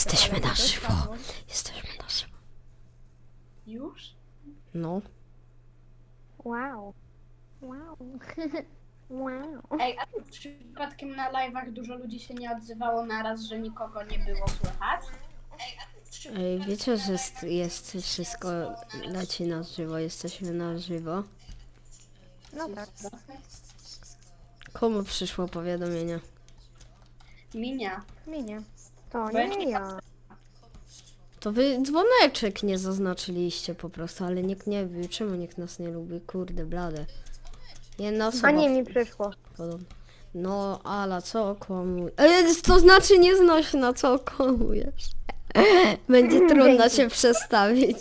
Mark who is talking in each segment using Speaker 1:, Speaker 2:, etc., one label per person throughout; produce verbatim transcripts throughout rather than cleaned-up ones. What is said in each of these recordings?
Speaker 1: Jesteśmy na żywo. Jesteśmy na żywo.
Speaker 2: Już?
Speaker 1: No.
Speaker 3: Wow. Wow. Wow.
Speaker 2: Ej, a przypadkiem na live'ach dużo ludzi się nie odzywało naraz, że nikogo nie było słychać?
Speaker 1: Ej, wiecie, że jest, jest wszystko leci na żywo. Jesteśmy na żywo.
Speaker 3: No tak.
Speaker 1: Komu przyszło powiadomienie?
Speaker 2: Minia.
Speaker 3: Minie. To
Speaker 2: Bo ja
Speaker 3: nie
Speaker 2: nie
Speaker 3: ja.
Speaker 1: To wy dzwoneczek nie zaznaczyliście po prostu, ale nikt nie wie, czemu nikt nas nie lubi. Kurde, blade. Jedna osoba.
Speaker 3: A nie mi przyszło.
Speaker 1: Podobno. No, Ala, co okłamujesz? E, to znaczy nie znoś na co okłamujesz. Będzie trudno
Speaker 3: Dzięki.
Speaker 1: się przestawić.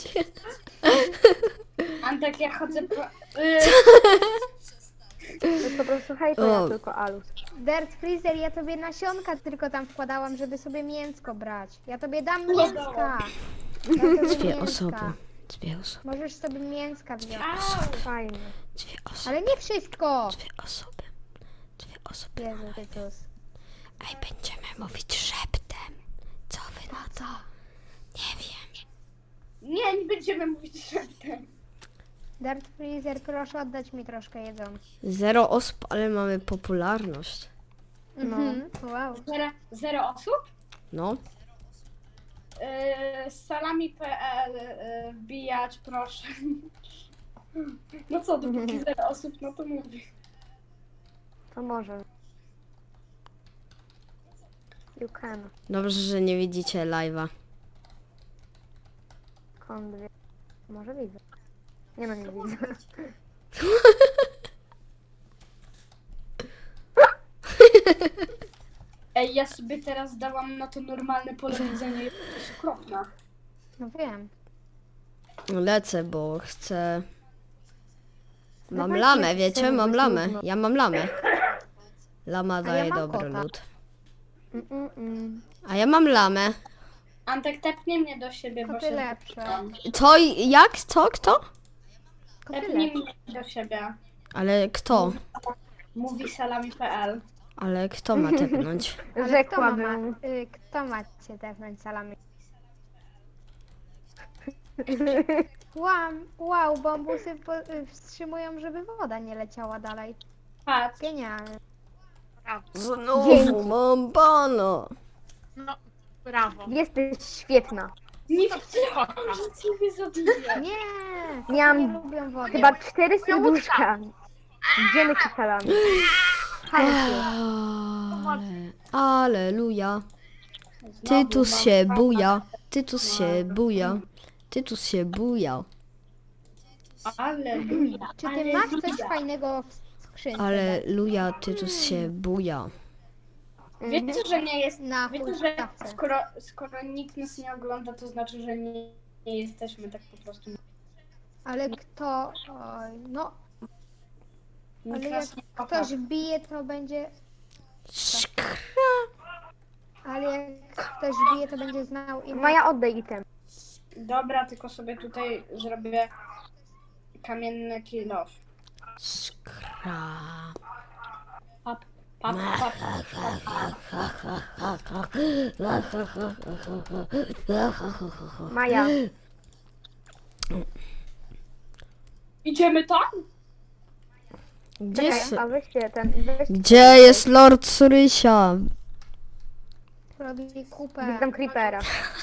Speaker 2: Antek, ja chodzę po... Y,
Speaker 3: To jest po prostu hej, to
Speaker 1: O.
Speaker 3: ja tylko Alus. Dirt Freezer, ja tobie nasionka tylko tam wkładałam, żeby sobie mięsko brać. Ja tobie dam mięska. Ja tobie
Speaker 1: Dwie
Speaker 3: mięska.
Speaker 1: osoby. Dwie osoby.
Speaker 3: Możesz sobie mięska wziąć.
Speaker 2: Au!
Speaker 3: Fajnie.
Speaker 1: Dwie osoby.
Speaker 3: Ale nie wszystko.
Speaker 1: Dwie osoby. Dwie osoby.
Speaker 3: Jezu, Tytus.
Speaker 1: Ej, będziemy mówić szeptem. Co wy na to? Nie wiem.
Speaker 2: Nie, nie będziemy mówić szeptem.
Speaker 3: Dirt Freezer, proszę oddać mi troszkę jedzonka.
Speaker 1: Zero osób, ale mamy popularność.
Speaker 3: No. Wow.
Speaker 2: Zero, zero osób?
Speaker 1: No.
Speaker 2: Yy, salami kropka pe el yy, wbijać, proszę. No co, dopóki zero osób, no to mówię.
Speaker 3: To może. You can.
Speaker 1: Dobrze, że nie widzicie live'a.
Speaker 3: Skąd wie? Może widzę. Nie no, nie widzę.
Speaker 2: Ej, ja sobie teraz dałam na to normalne pole widzenia, jest to jest okropne.
Speaker 3: No wiem.
Speaker 1: Lecę, bo chcę... Mam
Speaker 3: Dawajcie,
Speaker 1: lamę, wiecie?
Speaker 3: chcemy
Speaker 1: Mam
Speaker 3: być
Speaker 1: lamę.
Speaker 3: nudno.
Speaker 1: Ja mam lamę. Lama
Speaker 3: ja
Speaker 1: daje
Speaker 3: mam
Speaker 1: dobry
Speaker 3: kota.
Speaker 1: lód.
Speaker 3: Mm, mm, mm.
Speaker 1: A ja mam lamę.
Speaker 2: Antek, tepnij mnie do siebie, bo
Speaker 3: Koty
Speaker 2: się
Speaker 3: lepsze.
Speaker 2: zgubiłam.
Speaker 1: Co? i- Jak? Co? Kto?
Speaker 3: Koty
Speaker 2: Tepnij
Speaker 3: lepsze.
Speaker 2: mnie do siebie.
Speaker 1: Ale kto?
Speaker 2: Mówi salami kropka pe el.
Speaker 1: Ale kto ma tepnąć?
Speaker 3: Ale kto ma, Rzekłabym. y, kto ma cię tepnąć salami? Wow, wow, bambusy po, y, wstrzymują, żeby woda nie leciała dalej.
Speaker 2: Patrz.
Speaker 3: Genialne.
Speaker 1: Znowu
Speaker 3: Dzięki.
Speaker 1: mam pana.
Speaker 4: No, brawo.
Speaker 3: Jesteś świetna.
Speaker 2: Nie wiedziałam, że ciebie zabiję.
Speaker 3: Nie! koty
Speaker 1: Miałam
Speaker 3: nie lubią wody.
Speaker 1: Chyba cztery serduszka. Gdzie my salami? Ale, aleluja. Tytus się buja. Tytus się buja. Tytus się buja.
Speaker 2: Aleluja.
Speaker 3: Czy ty masz coś fajnego w skrzynce?
Speaker 1: Aleluja, Tytus się buja.
Speaker 2: Wiecie, że nie jest...
Speaker 3: Na
Speaker 2: Wiecie, że
Speaker 3: huśtawce.
Speaker 2: skoro, skoro nikt nas nie ogląda, to znaczy, że nie, nie jesteśmy tak po prostu...
Speaker 3: Ale kto... Oj, no,
Speaker 2: Nikt
Speaker 3: ale jak
Speaker 2: nas nie kocha.
Speaker 3: ktoś bije, to będzie... Ale jak ktoś bije, to będzie znał imię.
Speaker 1: Maja, oddaj item.
Speaker 2: Dobra, tylko sobie tutaj zrobię kamienny kill off.
Speaker 1: Skra.
Speaker 2: Pap, pap, pap, pap.
Speaker 1: Maja.
Speaker 2: Idziemy tam?
Speaker 1: Gdzie jest,
Speaker 3: A weźcie ten... Weź
Speaker 1: gdzie jest Lord Surysia?
Speaker 3: robi kupę.
Speaker 1: Widzę creepera.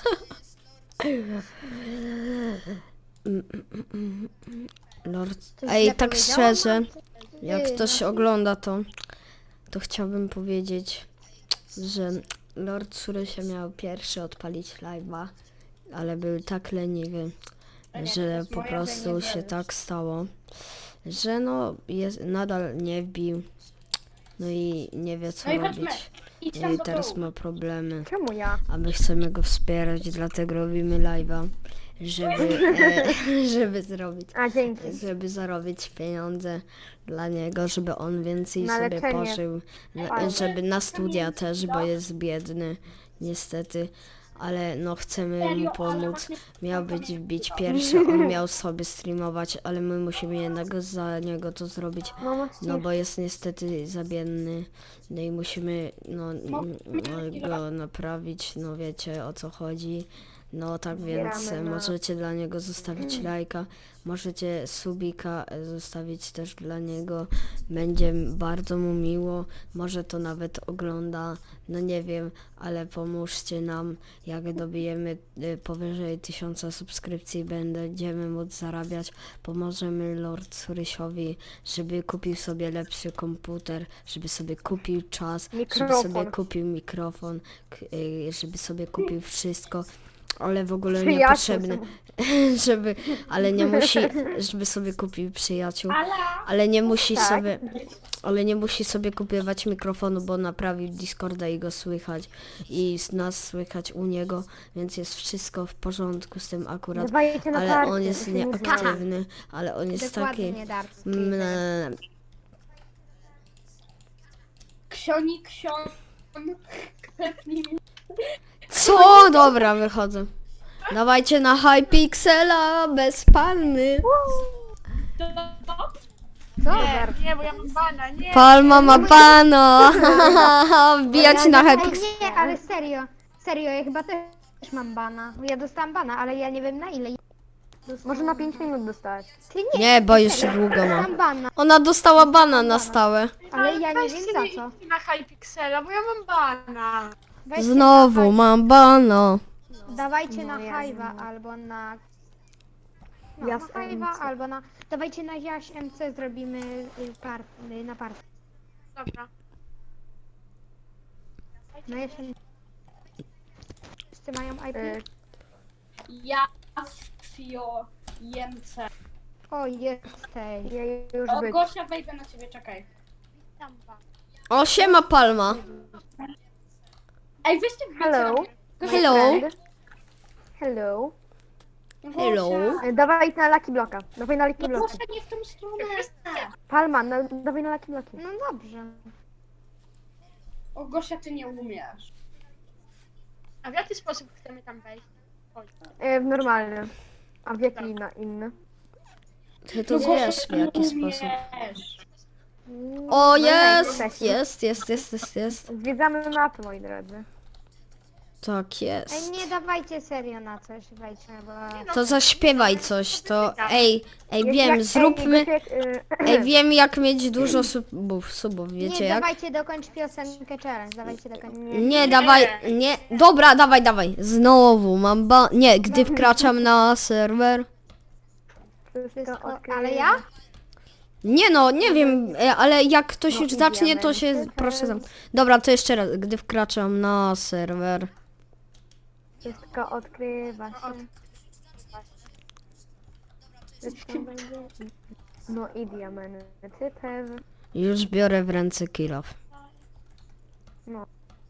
Speaker 1: Lord...
Speaker 3: Coś
Speaker 1: Ej,
Speaker 3: źle
Speaker 1: tak
Speaker 3: powiedziałam?
Speaker 1: szczerze,
Speaker 3: Ty,
Speaker 1: jak ktoś
Speaker 3: no.
Speaker 1: ogląda to, to chciałbym powiedzieć, że Lord Surysia miał pierwszy odpalić live'a, ale był tak leniwy,
Speaker 2: nie, to
Speaker 1: że
Speaker 2: jest
Speaker 1: po
Speaker 2: moja
Speaker 1: prostu
Speaker 2: leniwość.
Speaker 1: się tak stało, że no jest, nadal nie wbił, no i nie wie co
Speaker 2: No i chodźmy.
Speaker 1: robić.
Speaker 2: Idź tam
Speaker 1: I
Speaker 2: do
Speaker 1: teraz
Speaker 2: dołu.
Speaker 1: ma problemy,
Speaker 3: Czemu ja?
Speaker 1: a my chcemy go wspierać, dlatego robimy live'a, żeby, e, żeby zrobić,
Speaker 3: A, dzięki.
Speaker 1: żeby zarobić pieniądze dla niego, żeby on więcej
Speaker 3: Na
Speaker 1: sobie
Speaker 3: leczenie.
Speaker 1: pożył, na,
Speaker 3: Fajne.
Speaker 1: żeby na studia też, bo jest biedny, niestety, ale no chcemy mu
Speaker 2: Serio, ale
Speaker 1: pomóc.
Speaker 2: właśnie-
Speaker 1: Miał być wbić pierwszy, on miał sobie streamować, ale my musimy jednak za niego to zrobić.
Speaker 3: Mamo,
Speaker 1: No bo jest niestety zabienny, no i musimy no, n- no, go naprawić, no wiecie o co chodzi. No tak więc
Speaker 3: Zbieramy na-
Speaker 1: możecie dla niego zostawić lajka, możecie subika e, zostawić też dla niego, będzie bardzo mu miło, może to nawet ogląda, no nie wiem, ale pomóżcie nam, jak dobijemy e, powyżej tysiąca subskrypcji, będziemy móc zarabiać, pomożemy Lord Surysiowi, żeby kupił sobie lepszy komputer, żeby sobie kupił czas, żeby
Speaker 3: Mikrofon.
Speaker 1: sobie kupił mikrofon, k- y, żeby sobie kupił wszystko, ale w ogóle
Speaker 3: Przyjaciół
Speaker 1: niepotrzebne, żeby, ale nie musi, żeby sobie kupił przyjaciół,
Speaker 2: Ale
Speaker 1: ale nie musi
Speaker 3: Tak.
Speaker 1: sobie, ale nie musi sobie kupować mikrofonu, bo naprawił Discorda i go słychać i z nas słychać u niego, więc jest wszystko w porządku z tym akurat,
Speaker 3: Dawajcie na
Speaker 1: ale
Speaker 3: karty,
Speaker 1: on jest
Speaker 3: musimy
Speaker 1: nieaktywny, ale on jest
Speaker 3: Dokładnie,
Speaker 1: taki,
Speaker 3: Dark
Speaker 1: mm,
Speaker 3: Freezer.
Speaker 2: Ksioni, ksion... Klepnij mi.
Speaker 1: co? Dobra, wychodzę. Dawajcie na Hypixela bez palmy.
Speaker 3: Co,
Speaker 4: Nie,
Speaker 3: Dark?
Speaker 4: nie, bo ja mam bana, nie.
Speaker 1: Palma ma pano. Wbijać na
Speaker 3: Ej,
Speaker 1: Hypixela.
Speaker 3: nie, ale serio, serio, ja chyba też mam bana. Ja dostałam bana, ale ja nie wiem na ile.
Speaker 5: Może na pięć minut dostać.
Speaker 3: Ty nie,
Speaker 1: Nie, bo już
Speaker 3: serio,
Speaker 1: długo ma.
Speaker 3: dostałam bana,
Speaker 1: Ona dostała bana na stałe.
Speaker 3: ale ja nie
Speaker 4: Weźcie
Speaker 3: wiem za
Speaker 4: nie
Speaker 3: co.
Speaker 4: idźcie na Hypixela, bo ja mam bana.
Speaker 3: Weźcie
Speaker 1: Znowu
Speaker 3: na,
Speaker 1: mam bana.
Speaker 3: dawajcie na
Speaker 5: No, ja
Speaker 3: Hive'a albo na... No,
Speaker 5: Ja
Speaker 3: na
Speaker 5: z
Speaker 3: Hive'a
Speaker 5: M C.
Speaker 3: albo na... Dawajcie na Jaś M C, zrobimy y, par, y, na par.
Speaker 4: Dobra.
Speaker 3: No jeszcze... Wszyscy mają I P?
Speaker 5: Y,
Speaker 2: Ja, Fio, Jemce.
Speaker 3: O, jesteś.
Speaker 5: ja już
Speaker 2: O,
Speaker 5: być.
Speaker 2: Gosia, wejdę na ciebie, czekaj.
Speaker 4: Witam was.
Speaker 1: O, siema Palma.
Speaker 2: Ej, weźcie wbijcie
Speaker 5: Hello.
Speaker 2: na mnie. Gosia,
Speaker 1: Hello.
Speaker 5: Friend. Hello.
Speaker 2: Gosia.
Speaker 1: Hello.
Speaker 5: Y, Dawaj na Lucky Bloka. Dawaj na Lucky
Speaker 2: No
Speaker 5: Bloka.
Speaker 2: Gosia, nie w tą stronę.
Speaker 5: Palma, na, dawaj na Lucky Bloki.
Speaker 3: No dobrze.
Speaker 2: O, Gosia, ty nie umiesz.
Speaker 4: A w jaki sposób chcemy tam wejść? Oj.
Speaker 5: Y, w normalny. A w jaki na inny?
Speaker 1: Ty to
Speaker 2: No Gosia,
Speaker 1: wiesz w
Speaker 2: ty nie
Speaker 1: jaki sposób.
Speaker 2: umiesz.
Speaker 1: O,
Speaker 5: No,
Speaker 1: jest,
Speaker 5: jesteś.
Speaker 1: jest, jest, jest, jest, jest.
Speaker 5: Zwiedzamy mapy, moi drodzy.
Speaker 1: Tak
Speaker 3: Ej,
Speaker 1: jest.
Speaker 3: nie dawajcie serio na coś, wejdźmy, bo...
Speaker 1: To zaśpiewaj coś, to ej, ej
Speaker 5: Jak-
Speaker 1: wiem,
Speaker 5: jak-
Speaker 1: zróbmy,
Speaker 5: Ej, Gosiek, y,
Speaker 1: ej wiem jak mieć dużo subów, subów, wiecie
Speaker 3: nie,
Speaker 1: jak?
Speaker 3: dawajcie dokończ piosenkę challenge, dawajcie dokończ.
Speaker 1: Nie, dawaj, nie, dobra, dawaj, dawaj, znowu mam ba... Nie, gdy wkraczam na serwer.
Speaker 3: Wszystko,
Speaker 5: okej.
Speaker 3: ale ja?
Speaker 1: Nie no, nie wiem, e, ale jak ktoś
Speaker 5: No
Speaker 1: już
Speaker 5: i
Speaker 1: zacznie, to się,
Speaker 5: diamenty
Speaker 1: proszę
Speaker 5: też.
Speaker 1: tam. Dobra, to jeszcze raz, gdy wkraczam na serwer.
Speaker 5: Wszystko odkrywa się.
Speaker 4: Od...
Speaker 5: Wszystko będzie. No i diamenty też.
Speaker 1: Już biorę w ręce kill off.
Speaker 5: No.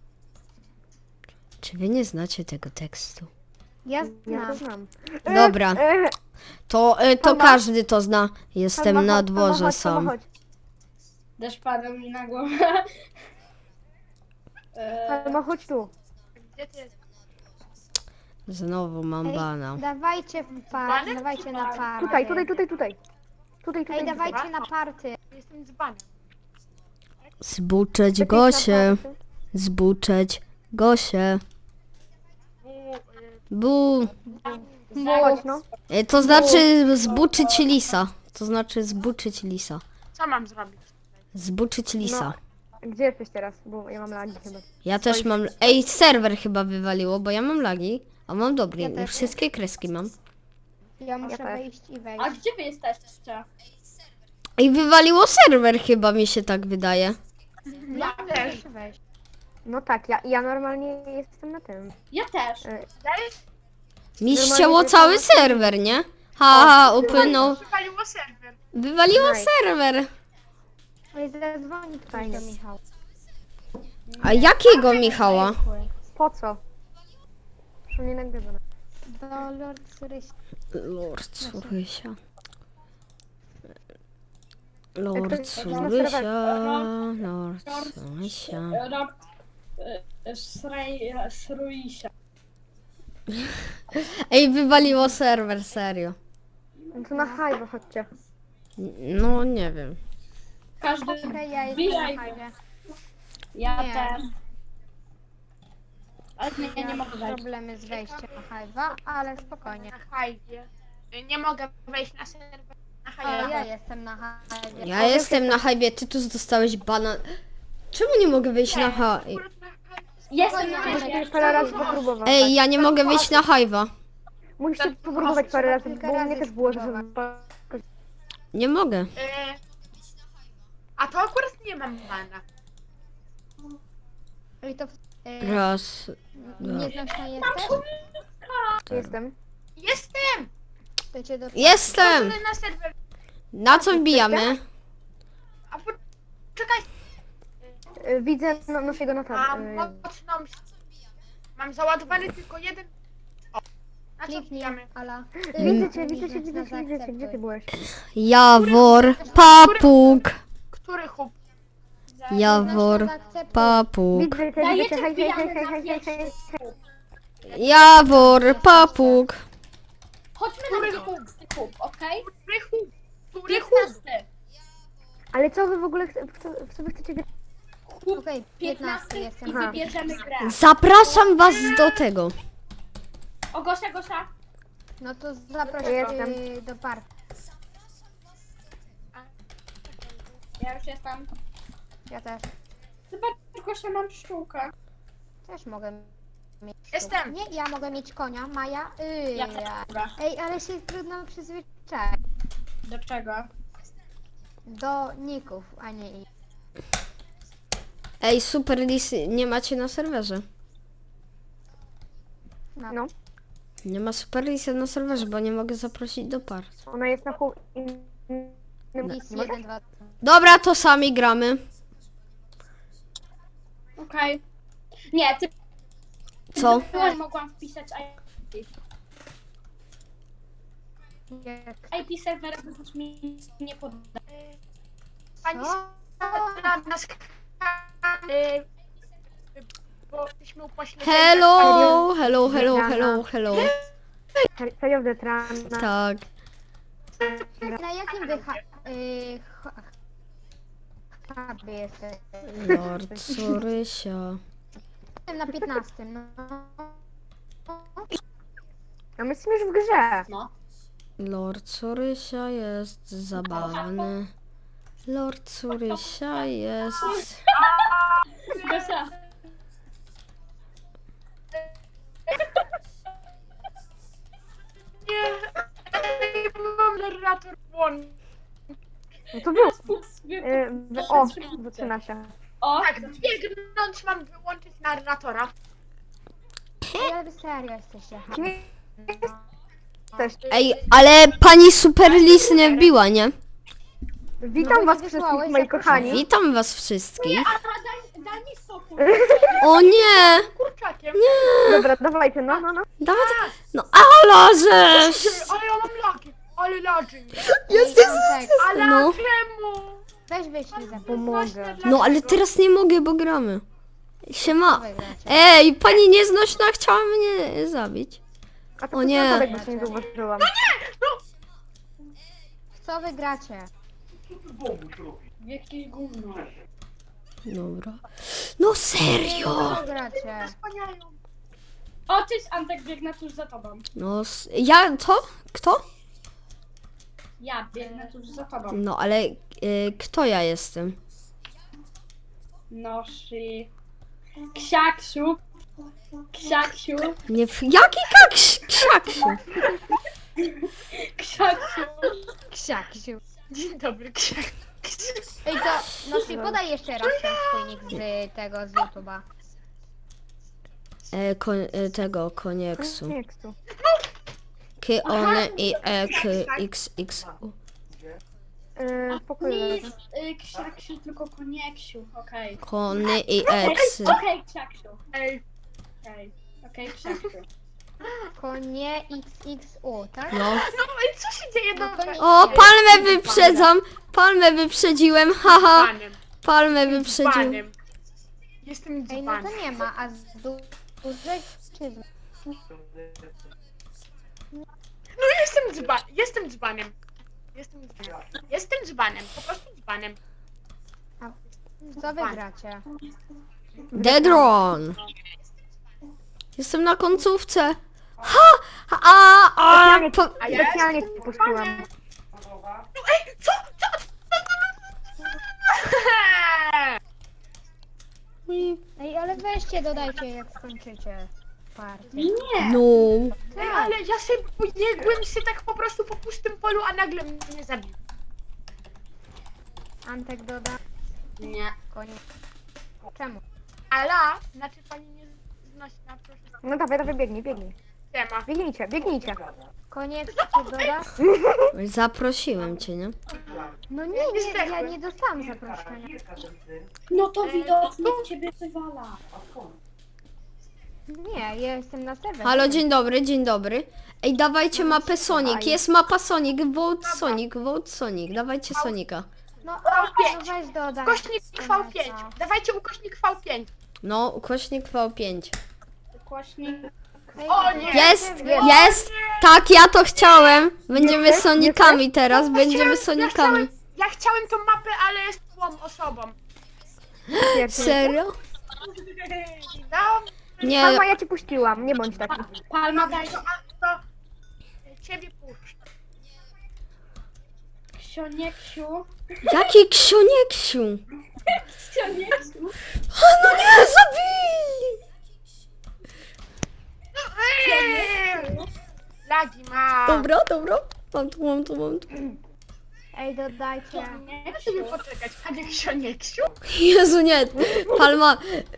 Speaker 1: Czy wy nie znacie tego tekstu?
Speaker 3: Ja
Speaker 5: Ja to
Speaker 3: znam.
Speaker 5: znam.
Speaker 1: Dobra.
Speaker 5: E,
Speaker 1: To, e, to
Speaker 5: Palma?
Speaker 1: każdy to zna. Jestem
Speaker 5: Palma,
Speaker 1: na
Speaker 5: chodź,
Speaker 1: dworze
Speaker 5: Palma, chodź,
Speaker 1: sam.
Speaker 5: Palma, chodź.
Speaker 2: Deszcz padał mi na głowę. Eee,
Speaker 5: Palma, chodź tu.
Speaker 4: Gdzie ty jesteś?
Speaker 1: Znowu mam
Speaker 3: Ej,
Speaker 1: bana.
Speaker 3: dawajcie w par,
Speaker 4: Dzbanek
Speaker 3: dawajcie
Speaker 4: czy
Speaker 3: na
Speaker 4: par?
Speaker 3: party.
Speaker 5: Tutaj, tutaj, tutaj, tutaj. Tutaj, tutaj.
Speaker 3: Ej, dawajcie na party.
Speaker 4: Jestem dzbanem.
Speaker 1: Zbuczeć
Speaker 5: Tutaj.
Speaker 1: Gosię. Zbuczeć Gosię.
Speaker 4: Bu, y,
Speaker 1: Bu.
Speaker 5: Chodź, no.
Speaker 1: E, To znaczy zbuczyć lisa. To znaczy zbuczyć lisa.
Speaker 4: co mam zrobić?
Speaker 1: Zbuczyć lisa.
Speaker 5: Gdzie jesteś teraz? Bo ja mam lagi chyba.
Speaker 1: Ja też mam... Ej, serwer chyba wywaliło, bo ja mam lagi. A mam dobry.
Speaker 3: Ja też.
Speaker 1: Wszystkie kreski mam.
Speaker 3: Ja muszę
Speaker 5: też.
Speaker 3: wejść i wejść.
Speaker 2: a gdzie wy jesteście?
Speaker 1: Ej, wywaliło serwer chyba, mi się tak wydaje.
Speaker 3: Ja
Speaker 4: też.
Speaker 3: muszę wejść.
Speaker 5: No tak, ja, ja normalnie jestem na tym.
Speaker 2: Ja też.
Speaker 5: E,
Speaker 4: Dajesz?
Speaker 1: Mi
Speaker 5: Normalnie
Speaker 1: ścięło
Speaker 5: to
Speaker 1: cały
Speaker 5: jest-
Speaker 1: serwer, nie? Ha, upłynął.
Speaker 4: Przywaliło serwer.
Speaker 1: Wywaliło
Speaker 5: Nice.
Speaker 1: serwer.
Speaker 3: Ej, zadzwoni ktoś
Speaker 5: Fajnie.
Speaker 3: do Michała.
Speaker 1: A jakiego Michała?
Speaker 5: po co? Proszę nie nagrywa.
Speaker 3: Do Lord Suryś.
Speaker 1: Lord Surysia. Lord
Speaker 5: Jak to-
Speaker 1: Surysia. Lord Surysia.
Speaker 2: Rob... e, Srej... Sruisia.
Speaker 1: Ej, wywaliło serwer, serio.
Speaker 5: No to na hajwo chodźcie.
Speaker 1: No, nie wiem.
Speaker 2: Każdy
Speaker 3: Okej, ja jestem
Speaker 2: wbijaj.
Speaker 3: na hajwie.
Speaker 2: Ja
Speaker 3: Nie.
Speaker 2: też. Ale nie, ja nie
Speaker 3: Ja
Speaker 2: mogę
Speaker 3: mam
Speaker 2: wejść.
Speaker 3: problemy z wejściem na hajwa, ale spokojnie.
Speaker 4: Na hajdzie. Nie mogę wejść na serwer. Na
Speaker 3: Ale ja
Speaker 4: hajdzie.
Speaker 3: jestem na hajwie.
Speaker 1: Ja jestem na hajbie, ty tu dostałeś bana. Czemu nie mogę wyjść na hajwa?
Speaker 2: Jestem na
Speaker 3: Spokojnie,
Speaker 2: razie.
Speaker 5: Parę razy popróbować.
Speaker 1: Ej, ja nie mogę wyjść na hajwa.
Speaker 5: Musicie popróbować parę razy,
Speaker 3: Kilka
Speaker 5: bo u
Speaker 3: razy
Speaker 5: mnie też było, że...
Speaker 3: spróbować.
Speaker 1: Nie mogę.
Speaker 4: Y, A to akurat nie mam bana.
Speaker 3: I to e,
Speaker 1: Raz.
Speaker 3: nieznośna jesteś?
Speaker 5: Jestem.
Speaker 4: Jestem!
Speaker 3: To cię do...
Speaker 1: Jestem!
Speaker 4: Wchodzę na serwer.
Speaker 1: Na co wbijamy?
Speaker 4: A po... Czekaj.
Speaker 5: Y, Widzę no, naszego
Speaker 4: Mam
Speaker 5: Natana.
Speaker 4: mocną... Mam załadowany tylko jeden... O. Na co
Speaker 3: Kliknij,
Speaker 4: wbijamy?
Speaker 3: Ala.
Speaker 5: Widzę cię, widzę cię, widzę cię, widzę cię. Gdzie ty byłeś?
Speaker 1: Jawor, papug.
Speaker 4: Który hub?
Speaker 1: Jawor, papug.
Speaker 5: Widzę cię, widzę
Speaker 2: Dajecie
Speaker 5: cię, hej, hej, hej,
Speaker 2: wbijamy
Speaker 5: hej,
Speaker 2: na
Speaker 5: hej, hej, hej.
Speaker 1: Jawor, papug.
Speaker 2: Chodźmy na piętnasty kup, okej?
Speaker 4: Który hub? Który hub?
Speaker 2: piętnasty.
Speaker 5: Ale co wy w ogóle, chce- w co, w co wy chcecie grać?
Speaker 3: Okej, piętnasty
Speaker 2: piętnasty
Speaker 3: jestem.
Speaker 2: i
Speaker 5: Aha.
Speaker 2: wybierzemy grę.
Speaker 1: Zapraszam was do tego.
Speaker 2: O, Gosia, Gosia.
Speaker 3: No to zaproś
Speaker 5: Jestem.
Speaker 3: y, do parku.
Speaker 2: Ja już jestem.
Speaker 3: Ja też.
Speaker 2: Zobacz, Gosia, mam pszczółkę.
Speaker 3: Też mogę mieć.
Speaker 4: Jestem.
Speaker 3: Nie, ja mogę mieć konia, Maja. Y,
Speaker 2: Ja
Speaker 3: ja.
Speaker 2: też. Dobra.
Speaker 3: Ej, ale się trudno przyzwyczaić
Speaker 2: Do czego?
Speaker 3: do ników, a nie ich.
Speaker 1: Ej, super lisy nie macie na serwerze.
Speaker 3: No.
Speaker 5: No,
Speaker 1: Nie ma super lisy na serwerze, bo nie mogę zaprosić do par.
Speaker 5: ona jest na pół... innym-
Speaker 3: Lis
Speaker 5: Nie mogę?
Speaker 3: jeden, dwa.
Speaker 1: Dobra, to sami gramy.
Speaker 2: Okej. Nie, ty
Speaker 1: Co?
Speaker 2: byłaś, mogłam wpisać I P. I P serwera wysłać mi nie poda.
Speaker 4: Pani
Speaker 3: Co?
Speaker 4: na nas... y, Bo jesteśmy upośledzeni.
Speaker 1: Hello, hello, hello, hello, hello.
Speaker 5: Serio, Detran.
Speaker 1: Tak.
Speaker 3: Na jakim wy ha- y, ha- hubie jesteś?
Speaker 1: Lord Sorysia.
Speaker 3: Jestem na piętnastym, no.
Speaker 5: A my jesteśmy już w grze.
Speaker 2: No.
Speaker 1: Lord Sorysia jest zabawny. Lord Sorysia jest...
Speaker 2: Gosia.
Speaker 4: Nie, ej, mam narrator włączony.
Speaker 5: No to był.
Speaker 2: Fuks, wy-
Speaker 5: Y, w, o, zaczyna się.
Speaker 2: O,
Speaker 4: Tak, biegnąć mam wyłączyć narratora.
Speaker 3: Ej, ale wy serio jesteście.
Speaker 5: Kim jesteś?
Speaker 1: Ej, ale pani super lis nie wbiła, nie?
Speaker 5: Witam
Speaker 3: No,
Speaker 5: was
Speaker 3: nie
Speaker 5: wszystkich,
Speaker 3: wysłałeś,
Speaker 5: moi
Speaker 3: zapraszam.
Speaker 5: kochani.
Speaker 1: Witam was wszystkich.
Speaker 2: a daj, daj mi spokój.
Speaker 1: O nie!
Speaker 4: Kurczakiem.
Speaker 5: Dobra, dawajcie, no, no, no.
Speaker 1: Dawaj. No ala żeś!
Speaker 4: Ale ja mam lagi. Ale lagi.
Speaker 3: Jesteś tak,
Speaker 4: Ale
Speaker 1: No.
Speaker 4: czemu?
Speaker 3: weź wyślij za
Speaker 5: Pomogę.
Speaker 1: No ale teraz nie mogę, bo gramy. Siema.
Speaker 3: wygracie.
Speaker 1: Ej, pani nieznośna chciała mnie zabić.
Speaker 5: A to
Speaker 1: O
Speaker 5: o
Speaker 1: nie.
Speaker 5: nie. Bo się nie zauważyłam.
Speaker 3: W co wygracie?
Speaker 2: Jakieś gówno.
Speaker 1: Dobra. No serio?
Speaker 3: Co wygracie?
Speaker 4: Wspaniają.
Speaker 2: O, cześć, Antek, biegnę tuż za tobą.
Speaker 1: No s- ja, co? Kto?
Speaker 2: Ja biegnę tuż za tobą.
Speaker 1: No ale y, kto ja jestem?
Speaker 2: Noszy. Ksiaksiu. Ksiaksiu.
Speaker 1: Nie, w- jaki kaks, ksiaksiu?
Speaker 2: Ksiaksiu.
Speaker 3: Ksiaksiu.
Speaker 4: Dzień dobry, księg.
Speaker 3: Ej, to, no się podaj jeszcze raz ten swój nick z tego, z YouTube'a.
Speaker 1: E, kon, e, tego, konieksu.
Speaker 5: Nie, kstu.
Speaker 1: K, one, i, e, k, x, x, u.
Speaker 5: Yy, spokojnie.
Speaker 2: Nic, y, Ksiaksiu, tylko konieksiu. Okej.
Speaker 1: Kony i
Speaker 2: Okej,
Speaker 1: x.
Speaker 2: okej, Ksiaksiu.
Speaker 4: Ej,
Speaker 2: Okej, okej, Ksiaksiu.
Speaker 3: Konie X X U, tak?
Speaker 1: No.
Speaker 4: no i co się dzieje?
Speaker 3: No to
Speaker 4: Dobra.
Speaker 3: nie-
Speaker 1: O, palmę wyprzedzam. Palmę wyprzedziłem, haha.
Speaker 4: Dzbanem.
Speaker 1: Palmę wyprzedziłem.
Speaker 4: Dzbanem. Jestem
Speaker 3: Ej, no to
Speaker 4: dzbanem.
Speaker 3: nie ma, a z du- dużej czy z...
Speaker 4: No jestem dzban, jestem dzbanem. Jestem dzbanem. Jestem dzbanem, po prostu dzbanem.
Speaker 3: Co wygracie?
Speaker 1: Deadron! Jestem na końcówce. Ha! A! A!
Speaker 5: Specjalnie,
Speaker 1: Po...
Speaker 4: A ja
Speaker 5: specjalnie
Speaker 4: jestem
Speaker 5: ci puściłam.
Speaker 4: dzbanem. No ej, co? Co?
Speaker 3: Ej, ale weźcie, dodajcie jak skończycie partię.
Speaker 2: Nie.
Speaker 1: No.
Speaker 4: Ej, ale ja sobie pobiegłem się tak po prostu po pustym polu, a nagle mnie zabił.
Speaker 3: Antek doda.
Speaker 2: Nie.
Speaker 3: Koniec. Czemu?
Speaker 4: Ala, znaczy pani nie znosi na proszę.
Speaker 5: No dawaj, dawaj, biegnij, biegnij.
Speaker 4: Siema.
Speaker 5: Biegnijcie, biegnijcie.
Speaker 3: Koniec cię doda?
Speaker 1: Zaprosiłem cię, nie?
Speaker 3: No nie, nie, ja nie dostałam zaproszenia.
Speaker 2: No to widocznie ciebie wywala.
Speaker 3: Nie, ja jestem na serwerze.
Speaker 1: Halo, dzień dobry, dzień dobry. Ej, dawajcie mapę Sonic. Jest mapa Sonic. Vote Sonic, vote Sonic. Dawajcie Sonika.
Speaker 3: No,
Speaker 4: V
Speaker 3: no
Speaker 4: pięć.
Speaker 3: weź dodaj.
Speaker 4: Ukośnik V pięć. Dawajcie ukośnik V pięć.
Speaker 1: No, ukośnik V pięć.
Speaker 2: Głośnik.
Speaker 3: Ej,
Speaker 4: O nie!
Speaker 1: Jest,
Speaker 3: Jest.
Speaker 1: jest! Tak, ja to chciałem. Będziemy
Speaker 5: Jesteś?
Speaker 1: Sonikami teraz,
Speaker 4: Ja
Speaker 1: będziemy
Speaker 4: chciałem- Ja
Speaker 1: Sonikami.
Speaker 4: chciałem, ja chciałem tą mapę, ale jest złą osobą.
Speaker 5: Pierwszy.
Speaker 1: Serio?
Speaker 4: No,
Speaker 1: Nie,
Speaker 5: Mama, ja ci puściłam, nie bądź taki.
Speaker 2: Palma daj
Speaker 4: to, a, to ciebie puszczę.
Speaker 2: Ksionieciu.
Speaker 1: jaki ksiunieksiu?
Speaker 2: Ksionieciu.
Speaker 1: No nie, zabili!
Speaker 4: Eee! Lagi ma.
Speaker 1: Dobra, dobra. Mam tu, mam tu, mam tu.
Speaker 3: Ej, dodajcie.
Speaker 4: Muszę sobie poczekać, panie Ksionieciu.
Speaker 1: Jezu, nie. Palma...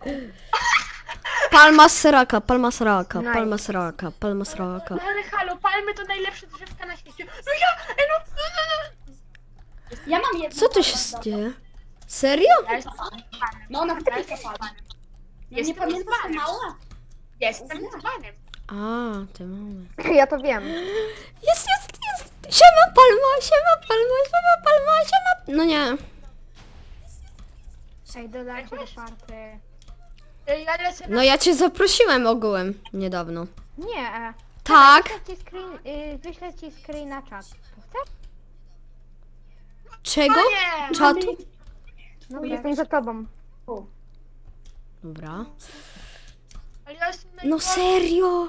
Speaker 1: Palma sraka, palma sraka,
Speaker 5: Nice.
Speaker 1: palma sraka, palma sraka.
Speaker 4: No ale halo, palmy to najlepsze drzewka na świecie. No ja, ej, no, no, no, no.
Speaker 2: Ja mam jedno.
Speaker 1: Co tu się
Speaker 2: palma,
Speaker 1: dzieje? Serio?
Speaker 4: Ja jestem
Speaker 2: No na chwilkę palma. Ja nie
Speaker 4: Jestem
Speaker 2: pamiętam,
Speaker 4: dzbanem.
Speaker 2: mała.
Speaker 4: Jestem dzbanem.
Speaker 1: A, ty mamy.
Speaker 5: Ja to wiem.
Speaker 1: Jest, jest, jest! Siema palma, siema palma, siema palma, siema... No nie.
Speaker 3: Ej, dodajcie do party.
Speaker 4: Ej, ja lecę na...
Speaker 1: No ja cię zaprosiłem ogółem niedawno.
Speaker 3: Nie, e.
Speaker 1: Tak?
Speaker 3: Wyślę ci screen, y, wyślę ci screen na czat. Chcesz?
Speaker 1: Czego?
Speaker 4: nie!
Speaker 1: Czatu?
Speaker 3: No
Speaker 5: Jestem za tobą.
Speaker 1: Dobra.
Speaker 4: Ale ja jestem
Speaker 1: No
Speaker 4: najgorszy.
Speaker 1: serio?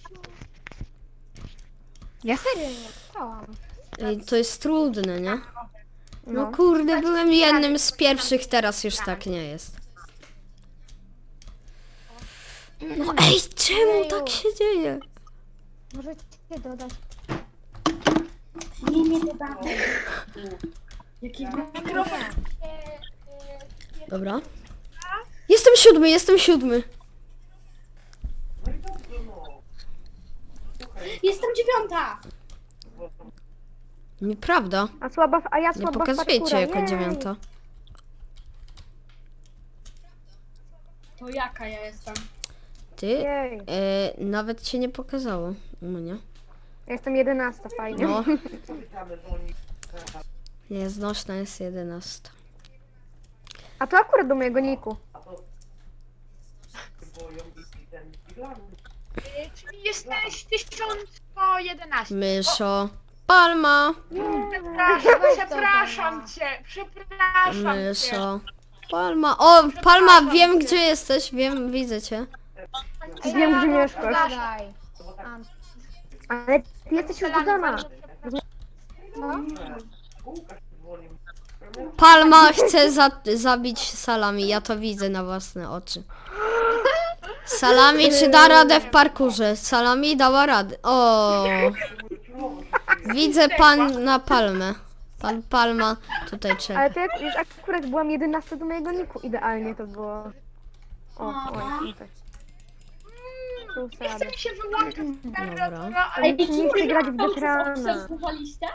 Speaker 3: Ja serio nie dostałam.
Speaker 1: Ej, to jest trudne, nie? No
Speaker 5: No.
Speaker 1: kurde, byłem jednym z pierwszych, teraz już tak nie jest. No ej, czemu tak się dzieje?
Speaker 3: Możecie dodać.
Speaker 2: Nie, nie dodamy. Jaki mikrofon.
Speaker 1: Dobra. Jestem siódmy, jestem siódmy.
Speaker 2: Jestem dziewiąta.
Speaker 1: Nieprawda.
Speaker 5: A słaba, w- a ja
Speaker 1: Nie
Speaker 5: słaba w
Speaker 1: pokazujecie
Speaker 5: parkurze.
Speaker 1: jako
Speaker 5: Jej.
Speaker 1: dziewiąta.
Speaker 2: To jaka ja jestem?
Speaker 1: Ty?
Speaker 5: Jej.
Speaker 1: E, nawet cię nie pokazało u mnie.
Speaker 5: Ja jestem jedenasta, fajnie.
Speaker 1: No. Nie, znośna jest jedenasta.
Speaker 5: A to akurat do mojego niku.
Speaker 4: Ej, czyli jesteś tysiąc sto jedenaście.
Speaker 1: Myszo. Palma.
Speaker 4: Przepraszam,
Speaker 3: Weź to
Speaker 4: przepraszam
Speaker 3: dodaj.
Speaker 4: cię, przepraszam cię.
Speaker 1: Myszo. Palma. O, Palma, wiem gdzie jesteś. Wiem, widzę cię.
Speaker 5: Wiem, gdzie mieszkasz.
Speaker 3: Dodaj. Ant.
Speaker 5: Ale ty jesteś już dodana.
Speaker 3: No?
Speaker 1: Palma chce za zabić Salami. Ja to widzę na własne oczy. Salami, czy da radę w parkurze? Salami dała radę. O. Widzę pan na Palmę. Pan Palma tutaj czeka.
Speaker 5: Ale to jak już akurat byłam jedenasta do mojego niku. Idealnie to było. O, oj, tutaj. Tu
Speaker 4: Nie
Speaker 5: sobie.
Speaker 4: chcę mi się wyłączyć temperatura, ale
Speaker 5: Ale ty nie chcę grać w weterana.
Speaker 2: Obserwowaliście?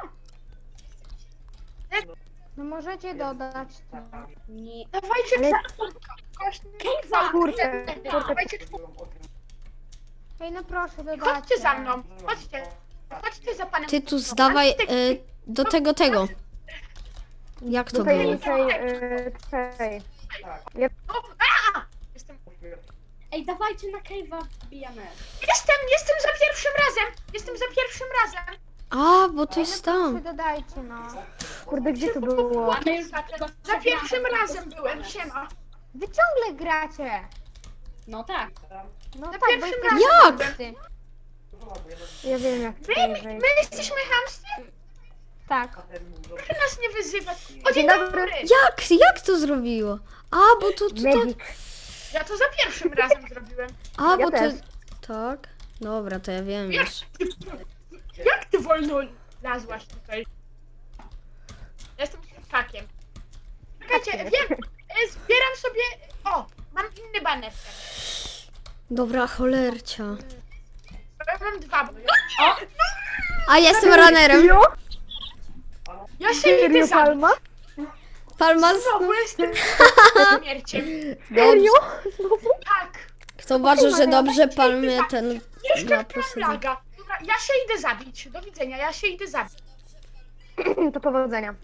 Speaker 3: No możecie dodać. to.
Speaker 2: Nie.
Speaker 4: dawajcie
Speaker 5: Ale-
Speaker 4: kośnik
Speaker 5: Czwórkę, czwórkę.
Speaker 4: Dawajcie czwórkę.
Speaker 3: Ej, no proszę, dodajcie.
Speaker 4: Chodźcie za mną, chodźcie. Chodźcie za panem.
Speaker 1: Tytus, dawaj e, do tego, tego. Jak to
Speaker 5: Do tej,
Speaker 1: było?
Speaker 5: tej, y, tej.
Speaker 4: O, a! Jestem...
Speaker 2: Ej, dawajcie na cave'a wbijamy.
Speaker 4: Jestem, jestem za pierwszym razem! Jestem za pierwszym razem!
Speaker 1: A, bo to jest
Speaker 3: Wy
Speaker 1: tam.
Speaker 3: dodajcie, no.
Speaker 5: Kurde, gdzie to było?
Speaker 2: Mamy już
Speaker 4: Za,
Speaker 2: tego
Speaker 4: za pierwszym razem byłem, siema.
Speaker 3: Wy ciągle gracie.
Speaker 2: No tak.
Speaker 3: No
Speaker 4: Na
Speaker 3: tak, bo
Speaker 4: pierwszym
Speaker 3: jesteście
Speaker 1: razem.
Speaker 3: wszyscy.
Speaker 5: Ja wiem jak
Speaker 4: My,
Speaker 5: tutaj
Speaker 4: my,
Speaker 5: wejść.
Speaker 4: my jesteśmy chamscy?
Speaker 3: Tak.
Speaker 4: Proszę nas nie wyzywać. O, dzień
Speaker 5: Dzień dobry.
Speaker 4: dobry!
Speaker 1: Jak? Jak to zrobiło? A, bo to tutaj...
Speaker 5: Medic.
Speaker 4: Ja to za pierwszym razem zrobiłem.
Speaker 1: A,
Speaker 5: Ja
Speaker 1: bo to...
Speaker 5: też.
Speaker 1: Tak? Dobra, to ja wiem już.
Speaker 4: Jak ty wolno lazłaś tutaj? Jestem hakiem. Czekajcie, wiem, e, zbieram sobie... O, mam inny baner.
Speaker 1: Dobra, cholercia.
Speaker 4: Ja mam dwa.
Speaker 2: O!
Speaker 1: A ja jestem runnerem.
Speaker 5: Serio?
Speaker 4: Ja się
Speaker 5: Serio,
Speaker 4: idę zabić.
Speaker 5: Palma?
Speaker 1: Palma z...
Speaker 4: Znowu jestem śmierciem.
Speaker 1: Dobrze.
Speaker 5: Serio? Znowu?
Speaker 4: Tak.
Speaker 1: Kto uważa, że dobrze palmy ten...
Speaker 4: Jeszcze
Speaker 1: Ma
Speaker 4: mam
Speaker 1: plus
Speaker 4: laga. Dobra, ja się idę zabić. Do widzenia, ja się idę zabić.
Speaker 5: To powodzenia.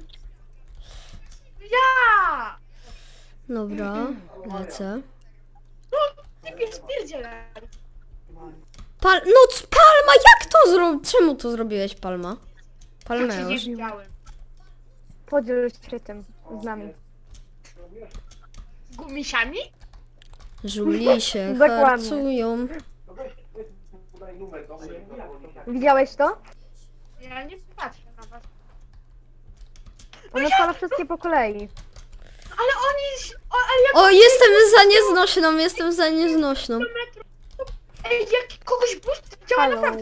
Speaker 4: Ja!
Speaker 1: Dobra, lecę.
Speaker 4: No, ty spierdzielaj.
Speaker 1: Pal... No, c- Palma, jak to zrobić? Czemu to zrobiłeś, Palma?
Speaker 4: Ja cię nie
Speaker 1: Palmeusz.
Speaker 4: widziałem.
Speaker 5: Podziel się tym z nami.
Speaker 4: Z gumisiami?
Speaker 1: Żuli się
Speaker 5: Dokładnie.
Speaker 1: harcują.
Speaker 5: Widziałeś to?
Speaker 4: Ja nie patrzę na was.
Speaker 5: On odpala wszystkie po kolei.
Speaker 4: Ale oni... O, ale jak...
Speaker 1: O, jestem za nieznośną, jestem za nieznośną.
Speaker 4: Ej, jak kogoś boost działa
Speaker 5: Halo.
Speaker 4: naprawdę.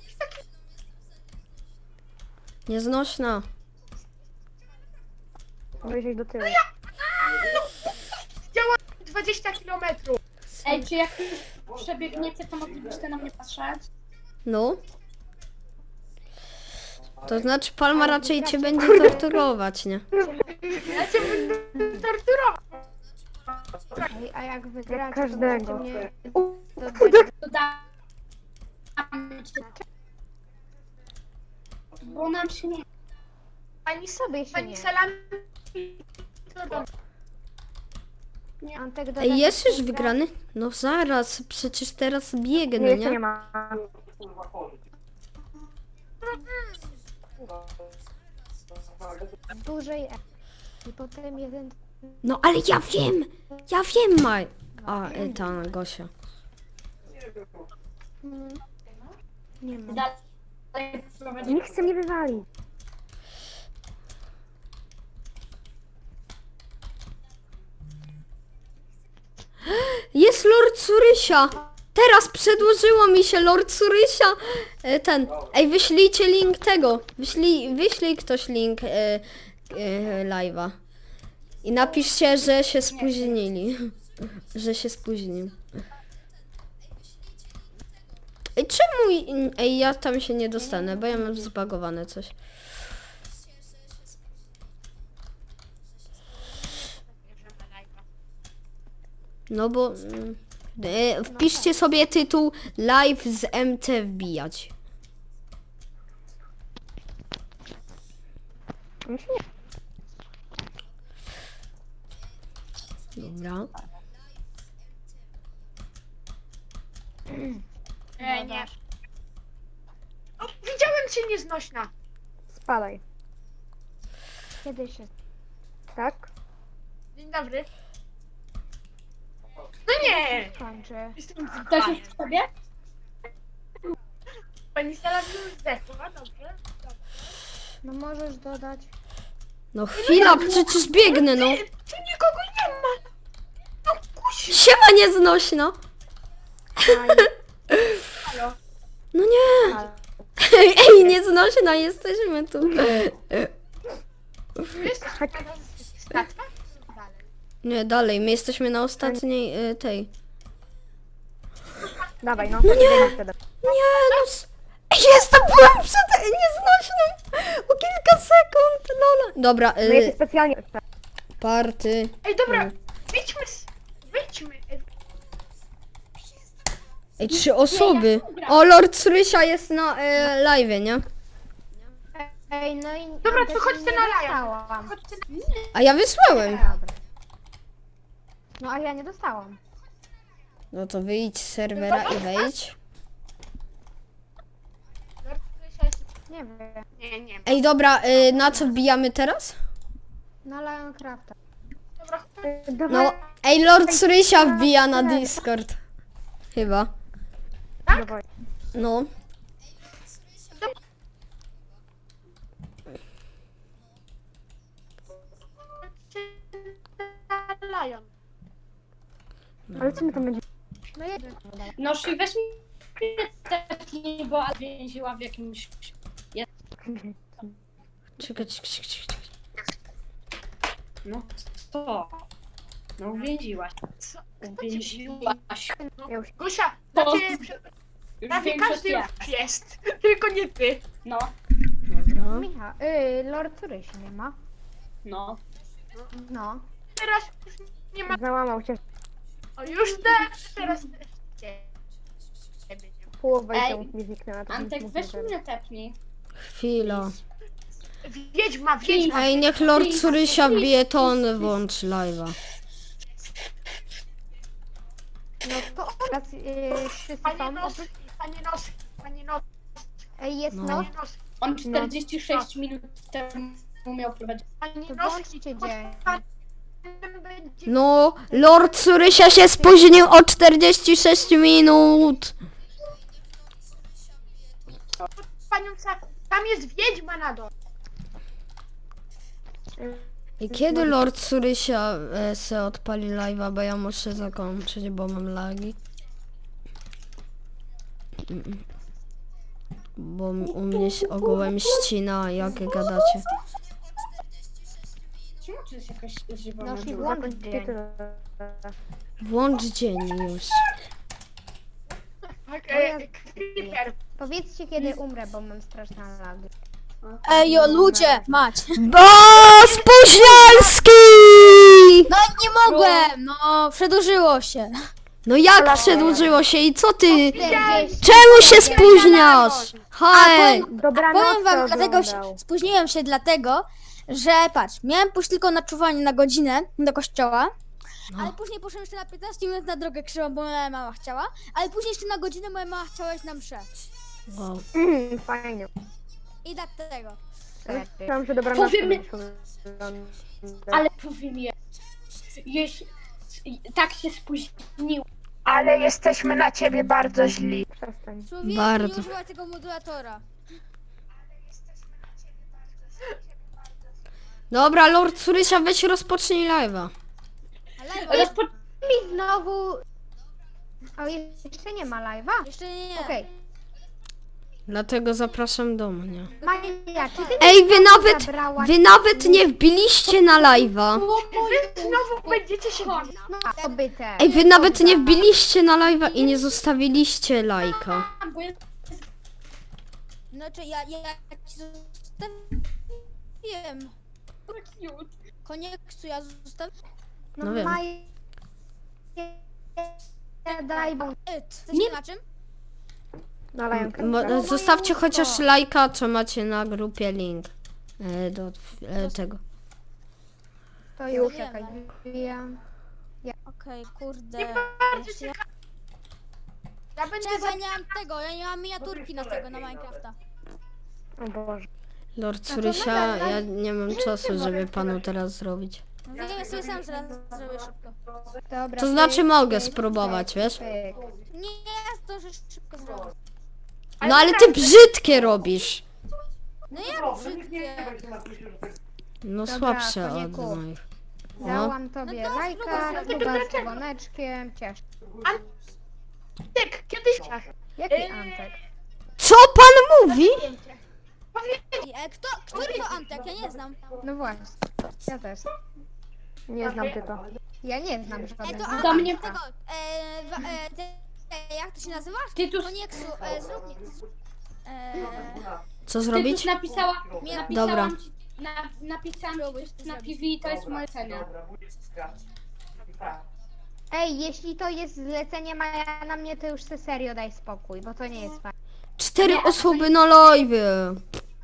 Speaker 1: Nieznośna.
Speaker 5: Wejść do tyłu.
Speaker 4: Działa dwadzieścia kilometrów.
Speaker 2: Ej, czy jak już przebiegniecie, to moglibyście na mnie patrzeć?
Speaker 1: No. To znaczy Palma raczej cię będzie torturować, nie?
Speaker 4: Ja cię będę torturował.
Speaker 3: Ej, a jak wygracie, to
Speaker 5: każdego.
Speaker 3: możecie mnie
Speaker 5: U,
Speaker 3: dodać.
Speaker 2: Dodamy cię. Bo nam się nie...
Speaker 4: Pani
Speaker 3: Sobie się
Speaker 4: Pani
Speaker 3: nie.
Speaker 4: Salami...
Speaker 3: Antek doda
Speaker 1: Ej, jest już
Speaker 3: do
Speaker 1: wygrany? No zaraz, przecież teraz
Speaker 5: Nie,
Speaker 1: biegnę,
Speaker 5: jeszcze nie
Speaker 1: nie?
Speaker 5: ma.
Speaker 3: dużej E. I potem jeden...
Speaker 1: No ale ja wiem! Ja wiem, Maj. A, y, ta Gosia.
Speaker 3: Mm, nie ma.
Speaker 2: Dalej prowadzi...
Speaker 5: Nikt chce mnie wywalić.
Speaker 1: Jest Lord Surysia! Teraz przedłużyło mi się Lord Surysia. y, Ten. Ej, wyślijcie link tego. Wyślij, wyślij ktoś link y, y, live'a. I napiszcie, że się spóźnili. Że się spóźnił. Ej, czemu... Ej, ja tam się nie dostanę, bo ja mam zbagowane coś. No bo... mm, e, wpiszcie sobie tytuł Live z M T wbijać.
Speaker 5: Mi się nie-
Speaker 1: Dobra.
Speaker 4: Ej, nie. O, widziałem cię nieznośna.
Speaker 5: Spadaj.
Speaker 3: Kiedy się...
Speaker 5: Tak?
Speaker 4: Dzień dobry. No nie!
Speaker 3: skończy?
Speaker 4: Jestem
Speaker 2: Ktoś już
Speaker 4: dzbanem.
Speaker 2: w sobie?
Speaker 4: Pani Salami już zdechła, dobrze?
Speaker 3: No możesz dodać.
Speaker 1: No chwila, przecież biegnę, no.
Speaker 4: Ty, tu nikogo nie ma! No kusi!
Speaker 1: Siema nieznośna.
Speaker 3: Aj,
Speaker 4: Halo?
Speaker 1: No nie.
Speaker 3: ale-
Speaker 1: Ej, ej, nieznośna, jesteśmy tu.
Speaker 4: Jesteś pana statka? Dalej.
Speaker 1: Nie, dalej, my jesteśmy na ostatniej y, tej.
Speaker 5: Dawaj, no.
Speaker 1: No nie.
Speaker 5: Biegnij wtedy.
Speaker 1: Nie, no. s- Ej, Jestem, byłem przed nieznośną. O kilka sekund, lola. Dobra,
Speaker 5: No jesteś
Speaker 1: y,
Speaker 5: specjalnie...
Speaker 1: party.
Speaker 4: Ej, dobra, wyjdźmy z... Wyjdźmy. Ej,
Speaker 1: Ej, trzy osoby. O, Lord Surysia jest na y, live, nie?
Speaker 3: Ej, no i...
Speaker 4: Dobra,
Speaker 3: Antek,
Speaker 4: to chodźcie
Speaker 3: nie
Speaker 4: na laja.
Speaker 3: dostałam.
Speaker 4: Chodźcie na...
Speaker 1: A ja wysłałem.
Speaker 3: Dobra. No a ja nie dostałam.
Speaker 1: No to wyjdź z serwera i wejdź.
Speaker 3: Nie wiem.
Speaker 4: Nie, nie.
Speaker 1: Ej, dobra, y, na co wbijamy teraz?
Speaker 3: Na Lioncrafta.
Speaker 4: Dobra,
Speaker 5: E, Dawaj,
Speaker 1: No, ej, Lord Surysia wbija na Discord. Chyba.
Speaker 5: dawaj.
Speaker 1: No.
Speaker 4: Lion.
Speaker 5: Ale co my tam będziemy?
Speaker 3: No jeden.
Speaker 2: No i weź mi tepnij, bo Ada więziła w jakimś...
Speaker 1: Czekaj, czekaj, czekaj, czekaj.
Speaker 2: No co? No uwięziłaś.
Speaker 4: Co?
Speaker 2: Uwięziłaś.
Speaker 5: Ja już
Speaker 4: Gusia,
Speaker 2: To-
Speaker 4: znaczy, przy-
Speaker 2: Już
Speaker 4: prawie
Speaker 2: większość
Speaker 4: każdy
Speaker 2: ja.
Speaker 4: już jest, tylko nie ty.
Speaker 2: No,
Speaker 1: Dobra.
Speaker 3: Michał, y, Lord Suryś nie ma.
Speaker 2: no.
Speaker 3: No.
Speaker 4: Teraz już nie ma.
Speaker 5: załamał się.
Speaker 4: O, już też, teraz też nie. Ciebie nie ma.
Speaker 5: Połowa
Speaker 2: Ej,
Speaker 5: itemów mi zniknęła. to
Speaker 2: Antek,
Speaker 5: nic
Speaker 2: weź
Speaker 5: nie wiem.
Speaker 2: mnie tepnij.
Speaker 1: Chwila.
Speaker 4: Wiedźma, wiedźma.
Speaker 1: Ej, niech Lord Surysia wbije, to on włącz live'a.
Speaker 3: No to teraz y, wszyscy
Speaker 4: Panie
Speaker 3: są.
Speaker 4: nos, panie nos, panie nos,
Speaker 3: Ej, jest
Speaker 1: No.
Speaker 3: noc.
Speaker 4: panie nos,
Speaker 2: On czterdzieści sześć minut temu miał prowadzić.
Speaker 4: panie
Speaker 3: To
Speaker 4: nos.
Speaker 3: włączcie dzień.
Speaker 4: Będzie
Speaker 1: No, Lord Surysia się spóźnił o czterdzieści sześć minut.
Speaker 4: panią Sa- tam jest wiedźma na dole.
Speaker 1: I kiedy Lord Surysia e, se odpali live'a, bo ja muszę zakończyć, bo mam lagi. Mm. Bo m- u mnie się ogółem ścina, jak gadacie.
Speaker 2: Czemu tu jest jakaś żywa
Speaker 3: No i
Speaker 2: dziura?
Speaker 3: włącz
Speaker 5: Zakończcie
Speaker 3: dzień.
Speaker 5: tyle.
Speaker 1: Włącz dzień już.
Speaker 4: Tak,
Speaker 3: No ja-
Speaker 4: e, Creeper.
Speaker 3: Powiedzcie kiedy umrę, bo mam straszne lagi.
Speaker 6: Ej, o ludzie, mać.
Speaker 1: Bo Spóźnialski!
Speaker 6: No nie mogłem, no przedłużyło się.
Speaker 1: No jak przedłużyło się i co ty?
Speaker 3: czterdzieści.
Speaker 1: Czemu się spóźniasz? Hej!
Speaker 5: Dobranoc,
Speaker 6: Powiem wam,
Speaker 5: kto
Speaker 6: dlatego
Speaker 5: oglądał.
Speaker 6: się, spóźniłem się dlatego, że patrz, miałem pójść tylko na czuwanie na godzinę do kościoła,
Speaker 1: No.
Speaker 6: ale później poszedłem jeszcze na piętnaście minut na drogę krzywą, bo moja mama chciała, ale później jeszcze na godzinę moja mama chciała iść na mszę.
Speaker 1: Wow.
Speaker 5: Mm, fajnie.
Speaker 6: I dlatego.
Speaker 5: Myślałam, że dobranoc
Speaker 2: Powiem-
Speaker 5: będziesz oglądał.
Speaker 2: Ale powiem je, jeśli tak się spóźnił,
Speaker 4: Ale jesteśmy na ciebie bardzo źli.
Speaker 5: Przestań.
Speaker 6: Człowiek
Speaker 1: Bardzo.
Speaker 6: nie używa tego modulatora.
Speaker 1: Dobra, Lord Surysia, weź rozpocznij live'a.
Speaker 6: Ale
Speaker 2: rozpo...
Speaker 3: Mi znowu... O, jeszcze nie ma live'a?
Speaker 6: jeszcze nie.
Speaker 3: Okej.
Speaker 1: Dlatego zapraszam do mnie.
Speaker 3: Maja, czy ty
Speaker 1: Ej, wy nawet,
Speaker 3: zabrałaś...
Speaker 1: wy nawet nie wbiliście na live'a.
Speaker 4: Wy znowu będziecie się bawić.
Speaker 3: No, obyte.
Speaker 1: Ej, wy nawet nie wbiliście na live'a i nie zostawiliście lajka.
Speaker 2: Bo jest
Speaker 6: Znaczy ja, ja, ja ci zostawiłem.
Speaker 2: cute.
Speaker 6: Konieksu, ja zostawiłem.
Speaker 3: No,
Speaker 1: No wiem.
Speaker 3: Maja... Daj, bo...
Speaker 6: It. Coś na czym?
Speaker 5: Na Lionka.
Speaker 1: Mo- zostawcie chociaż lajka, co macie na grupie link e, do e, tego.
Speaker 3: To już
Speaker 6: Nie
Speaker 3: czekaj.
Speaker 6: ma.
Speaker 3: Ja...
Speaker 6: Okej, kurde.
Speaker 4: Bardzo
Speaker 6: Jeszcze ja...
Speaker 4: ciekawe. Ja będę
Speaker 6: Czekaj,
Speaker 4: za...
Speaker 6: ja nie mam tego, ja nie mam miniaturki na tego, na Minecrafta.
Speaker 5: O Boże.
Speaker 1: Lord Surysia, ja nie mam czasu, żeby panu teraz zrobić.
Speaker 6: No wiem, ja sobie sam zaraz zrobię szybko.
Speaker 3: Dobra,
Speaker 1: To znaczy
Speaker 3: pyk,
Speaker 1: mogę
Speaker 3: pyk,
Speaker 1: spróbować,
Speaker 3: pyk,
Speaker 1: wiesz?
Speaker 3: pyk.
Speaker 6: Nie, ja zdążę szybko zrobić.
Speaker 1: No ale ty brzydkie robisz.
Speaker 6: No ja brzydkie.
Speaker 1: No
Speaker 3: Dobra,
Speaker 1: słabsze od
Speaker 3: koniku.
Speaker 1: moich. No.
Speaker 3: Dałam tobie
Speaker 6: No to
Speaker 3: lajka,
Speaker 6: spróbuj.
Speaker 3: chyba z dzwoneczkiem, ciesz.
Speaker 4: Tak, kiedyś...
Speaker 3: Jaki
Speaker 4: Eee.
Speaker 3: Antek?
Speaker 1: Co pan mówi?
Speaker 6: Ej, e, kto, który to Antek? Ja nie znam.
Speaker 3: No właśnie, ja też.
Speaker 5: Nie znam ty to.
Speaker 3: Ja nie znam
Speaker 6: Ej,
Speaker 3: żadnego.
Speaker 6: to
Speaker 2: Do
Speaker 6: Antek
Speaker 2: mnie-
Speaker 6: tego, e, wa, e, te, e, jak to się nazywa?
Speaker 2: Tytus,
Speaker 6: Konieksu, e, zrób mi... E,
Speaker 1: Co
Speaker 2: Tytus
Speaker 1: zrobić?
Speaker 2: napisała,
Speaker 6: Nie.
Speaker 2: napisałam
Speaker 1: Dobra.
Speaker 2: ci, na, napisałam
Speaker 6: Spróbuj
Speaker 2: ci
Speaker 6: to
Speaker 2: na
Speaker 6: zrobić.
Speaker 2: P V, to jest moje cena.
Speaker 3: Ej, jeśli to jest zlecenie Maja na mnie, to już se serio daj spokój, bo to nie jest fajne.
Speaker 1: Cztery osoby na live'ie.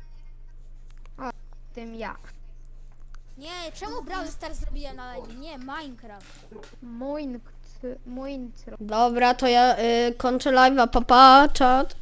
Speaker 3: W tym ja.
Speaker 6: nie, czemu Brawl Stars zrobiłem na live? Nie, Minecraft.
Speaker 3: Mój nkt. Muintro.
Speaker 1: Dobra, to ja y, kończę live'a, papa, czat.